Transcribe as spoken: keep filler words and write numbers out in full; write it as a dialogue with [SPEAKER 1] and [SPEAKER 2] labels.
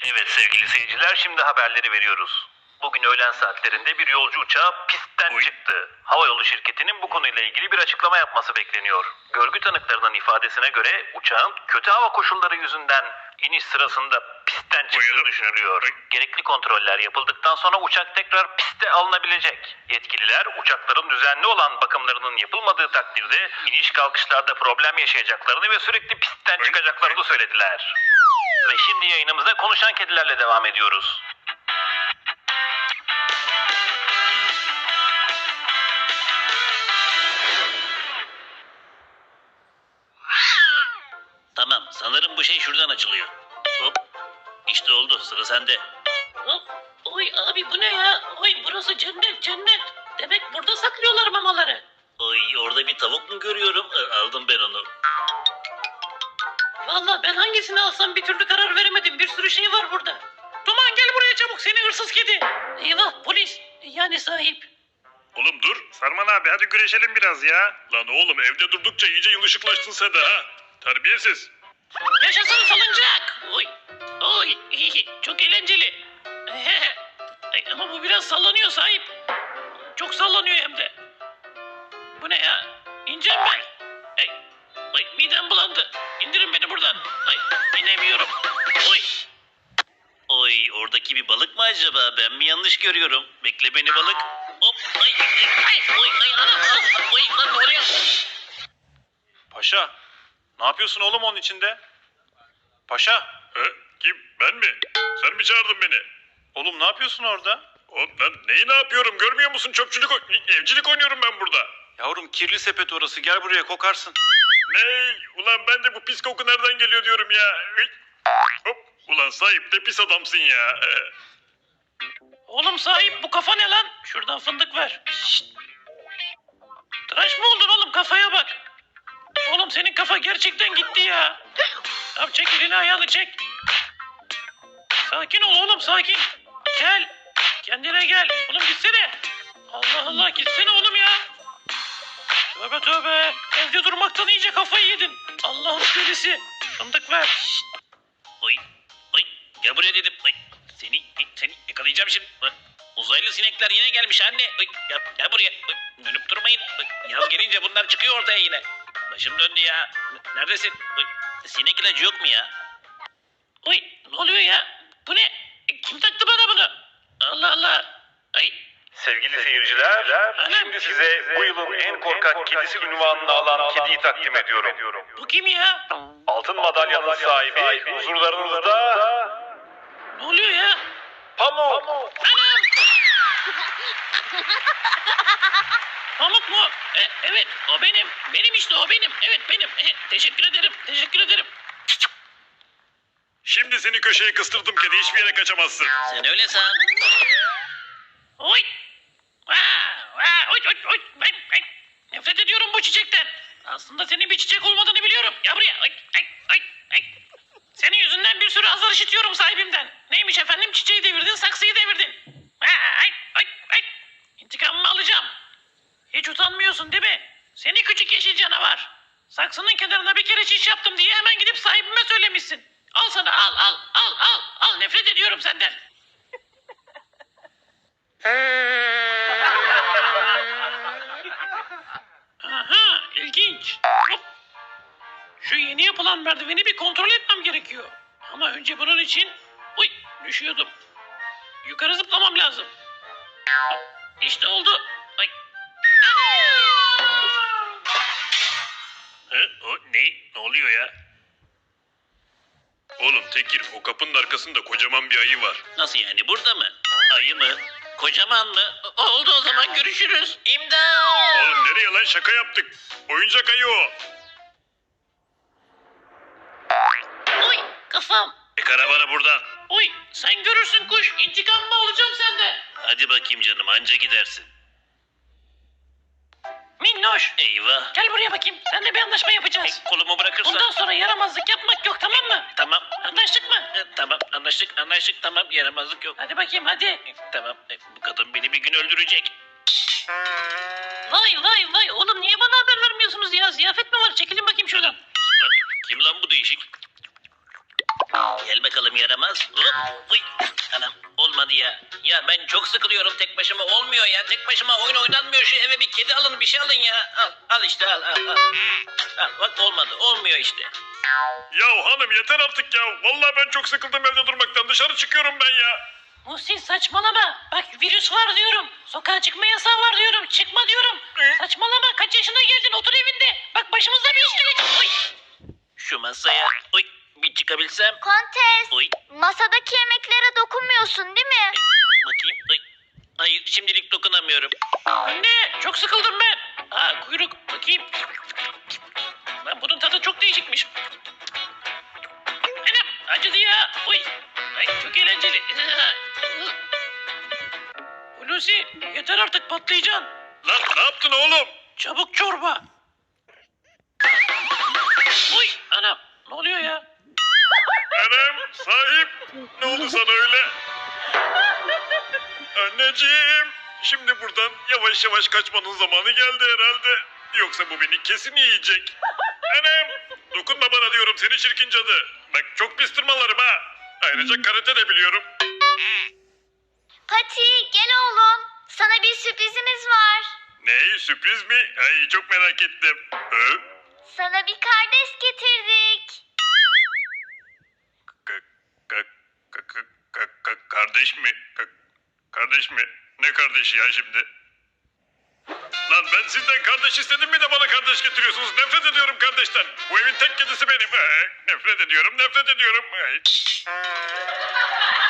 [SPEAKER 1] Evet sevgili seyirciler, şimdi haberleri veriyoruz. Bugün öğlen saatlerinde bir yolcu uçağı pistten
[SPEAKER 2] Oy.
[SPEAKER 1] çıktı. Havayolu şirketinin bu konuyla ilgili bir açıklama yapması bekleniyor. Görgü tanıklarının ifadesine göre uçağın kötü hava koşulları yüzünden iniş sırasında pistten çıktığı
[SPEAKER 2] Buyurun.
[SPEAKER 1] düşünülüyor.
[SPEAKER 2] Oy.
[SPEAKER 1] Gerekli kontroller yapıldıktan sonra uçak tekrar piste alınabilecek. Yetkililer uçakların düzenli olan bakımlarının yapılmadığı takdirde iniş kalkışlarda problem yaşayacaklarını ve sürekli pistten
[SPEAKER 2] Oy.
[SPEAKER 1] çıkacaklarını
[SPEAKER 2] Oy.
[SPEAKER 1] söylediler. Ve şimdi yayınımıza konuşan kedilerle devam ediyoruz.
[SPEAKER 3] Tamam, sanırım bu şey şuradan açılıyor. Hop, işte oldu, sıra sende.
[SPEAKER 4] Hop. Oy abi bu ne ya? Oy burası cennet cennet. Demek burada saklıyorlar mamaları.
[SPEAKER 3] Ay, orada bir tavuk mu görüyorum? E, Aldım ben onu.
[SPEAKER 4] Vallahi ben hangisini alsam bir türlü karar veremedim. Bir sürü şey var burada. Duman gel buraya çabuk seni hırsız kedi. Eyvah polis. Yani sahip.
[SPEAKER 2] Oğlum dur. Sarman abi hadi güreşelim biraz ya. Lan oğlum evde durdukça iyice yılışıklaştın sen de ha. Terbiyesiz.
[SPEAKER 4] Yaşasın salıncak. Oy. Oy. Çok eğlenceli. Ay, ama bu biraz sallanıyor sahip. Çok sallanıyor hem de. Bu ne ya? İneceğim ben. Ay, ay midem bulandı. İndirin beni buradan. Ay inemiyorum. Oy.
[SPEAKER 3] Oy, oradaki bir balık mı acaba? Ben mi yanlış görüyorum? Bekle beni balık. Hop, ay, ay, ay, oy, ay, ana, ah, oy, lan ne oluyor?
[SPEAKER 2] Paşa. Ne yapıyorsun oğlum onun içinde? Paşa. E, kim? Ben mi? Sen mi çağırdın beni? Oğlum ne yapıyorsun orada? Oğlum ben neyi ne yapıyorum görmüyor musun? Çöpçülük, oy- evcilik oynuyorum ben burada. Yavrum kirli sepet orası. Gel buraya kokarsın. Ne? Ulan ben de bu pis koku nereden geliyor diyorum ya. Hıy. Hop. Ulan sahip de pis adamsın ya.
[SPEAKER 4] Oğlum sahip bu kafa ne lan? Şuradan fındık ver. Şşt. Tıraş mı oldun oğlum kafaya bak. Oğlum senin kafa gerçekten gitti ya. Tamam çek elini ayağını çek. Sakin ol oğlum sakin. Gel. Kendine gel. Oğlum gitsene. Allah Allah gitsene oğlum ya. Tövbe tövbe. Evde durmaktan iyice kafayı yedin. Allah'ın delisi. Fındık ver. Şşt.
[SPEAKER 3] Oy, oy, gel buraya dedim. Oy, seni, seni yakalayacağım şimdi. Bak, uzaylı sinekler yine gelmiş anne. Oy, gel, gel buraya. Oy, dönüp durmayın. Oy, yaz gelince bunlar çıkıyor ortaya yine. Başım döndü ya. N- Neredesin? Oy, sinek ilacı yok mu ya?
[SPEAKER 4] Oy ne oluyor ya? Bu ne? E, Kim taktı bana bunu? Allah Allah. Ay.
[SPEAKER 1] Sevgili seyirciler, şimdi size bu yılın en korkak kedisi unvanını alan kediyi takdim ediyorum.
[SPEAKER 4] Bu kim ya?
[SPEAKER 1] Altın madalyanın sahibi, huzurlarınızda
[SPEAKER 4] Ne oluyor ya?
[SPEAKER 1] Pamuk.
[SPEAKER 4] Anam! Pamuk mu? E, evet o benim. Benim işte o benim. Evet benim. E, teşekkür ederim. Teşekkür ederim.
[SPEAKER 2] Şimdi seni köşeye kıstırdım kedi hiçbir yere kaçamazsın.
[SPEAKER 3] Sen öyle san.
[SPEAKER 4] Oy! Vaa! Vaa! Oy! Oy! Oy! Ben, ben nefret ediyorum bu çiçekten. Aslında senin bir çiçek olmadığını biliyorum. Gel buraya. Ay! Ay! Ay! Ay! Senin yüzünden bir sürü azar işitiyorum sahibimden. Neymiş efendim çiçeği devirdin, saksıyı devirdin. Vaa! Ay! Ay! Ay! İntikamımı alacağım. Hiç utanmıyorsun değil mi? Seni küçük yeşil canavar. Saksının kenarına bir kere çiş yaptım diye hemen gidip sahibime söylemişsin. Al sana al al al al al nefret ediyorum senden. Aha ilginç. Hop. Şu yeni yapılan merdiveni bir kontrol etmem gerekiyor. Ama önce bunun için... Uy düşüyordum. Yukarı zıplamam lazım. Hop, İşte oldu. Ay.
[SPEAKER 2] He? O ne? Ne oluyor ya? Oğlum Tekir o kapının arkasında kocaman bir ayı var.
[SPEAKER 3] Nasıl yani, burada mı? Ayı mı? Kocaman mı? O- Oldu o zaman, görüşürüz. İmdat!
[SPEAKER 2] Oğlum nereye lan şaka yaptık. Oyuncak ayı o.
[SPEAKER 4] Oy kafam.
[SPEAKER 3] E, karavanı buradan.
[SPEAKER 4] Oy sen görürsün kuş. İntikamımı alacağım senden.
[SPEAKER 3] Hadi bakayım canım, anca gidersin.
[SPEAKER 4] Minnoş.
[SPEAKER 3] Eyvah.
[SPEAKER 4] Gel buraya bakayım. Seninle bir anlaşma yapacağız.
[SPEAKER 3] E, kolumu bırakırsan.
[SPEAKER 4] Bundan sonra yaramazlık yapmak yok tamam mı?
[SPEAKER 3] Tamam.
[SPEAKER 4] Anlaştık mı?
[SPEAKER 3] E, tamam, anlaştık, anlaştık, tamam. Yaramazlık yok.
[SPEAKER 4] Hadi bakayım hadi.
[SPEAKER 3] E, tamam, e, bu kadın beni bir gün öldürecek.
[SPEAKER 4] Vay vay vay oğlum niye bana haber vermiyorsunuz ya? Ziyafet mi var? Çekilin bakayım şuradan.
[SPEAKER 3] Lan, kim lan bu değişik? Gel bakalım yaramaz. Hop. Uy. Anam olmadı ya. Ya ben çok sıkılıyorum tek başıma olmuyor ya. Tek başıma oyun oynanmıyor. Şu eve bir kedi alın bir şey alın ya. Al, al işte al al al. Al bak olmadı olmuyor işte.
[SPEAKER 2] Ya hanım yeter artık ya. Vallahi ben çok sıkıldım evde durmaktan. Dışarı çıkıyorum ben ya.
[SPEAKER 4] Muhsin saçmalama. Bak virüs var diyorum. Sokağa çıkma yasağı var diyorum. Çıkma diyorum. Saçmalama. Kaç yaşına geldin? Otur evinde. Bak başımıza bir iş gelecek. Uy.
[SPEAKER 3] Şu masaya uy, bir çıkabilsem.
[SPEAKER 5] Kontes,
[SPEAKER 3] Uy.
[SPEAKER 5] masadaki yemeklere dokunmuyorsun değil mi?
[SPEAKER 3] Bakayım. Uy. Hayır şimdilik dokunamıyorum.
[SPEAKER 4] Anne çok sıkıldım ben. Aa kuyruk. Bakayım. Lan bunun tadı çok değişikmiş. Anam acıdı ya. Uy. Ay, çok eğlenceli. Hulusi yeter artık patlayacaksın.
[SPEAKER 2] Lan ne yaptın oğlum?
[SPEAKER 4] Çabuk çorba. Uy anam ne oluyor ya?
[SPEAKER 2] Anam sahip. Ne oldu sana öyle? Anneciğim. Şimdi buradan yavaş yavaş kaçmanın zamanı geldi herhalde. Yoksa bu beni kesin yiyecek. Anam. Dokunma bana diyorum seni çirkin cadı. Bak çok pis tırmalarım ha. Ayrıca karate de biliyorum.
[SPEAKER 5] Pati, gel oğlum. Sana bir sürprizimiz var.
[SPEAKER 2] Ne sürpriz mi? Ay çok merak ettim. Hı?
[SPEAKER 5] Sana bir kardeş getirdik.
[SPEAKER 2] Ka- ka- ka- ka- ka- ka- kardeş mi? Ka- kardeş mi? Ne kardeşi ya şimdi? Lan ben sizden kardeş istedim mi de bana kardeş getiriyorsunuz? Nefret ediyorum kardeşten. Bu evin tek kedisi benim. Ee, nefret ediyorum, nefret ediyorum. Ay.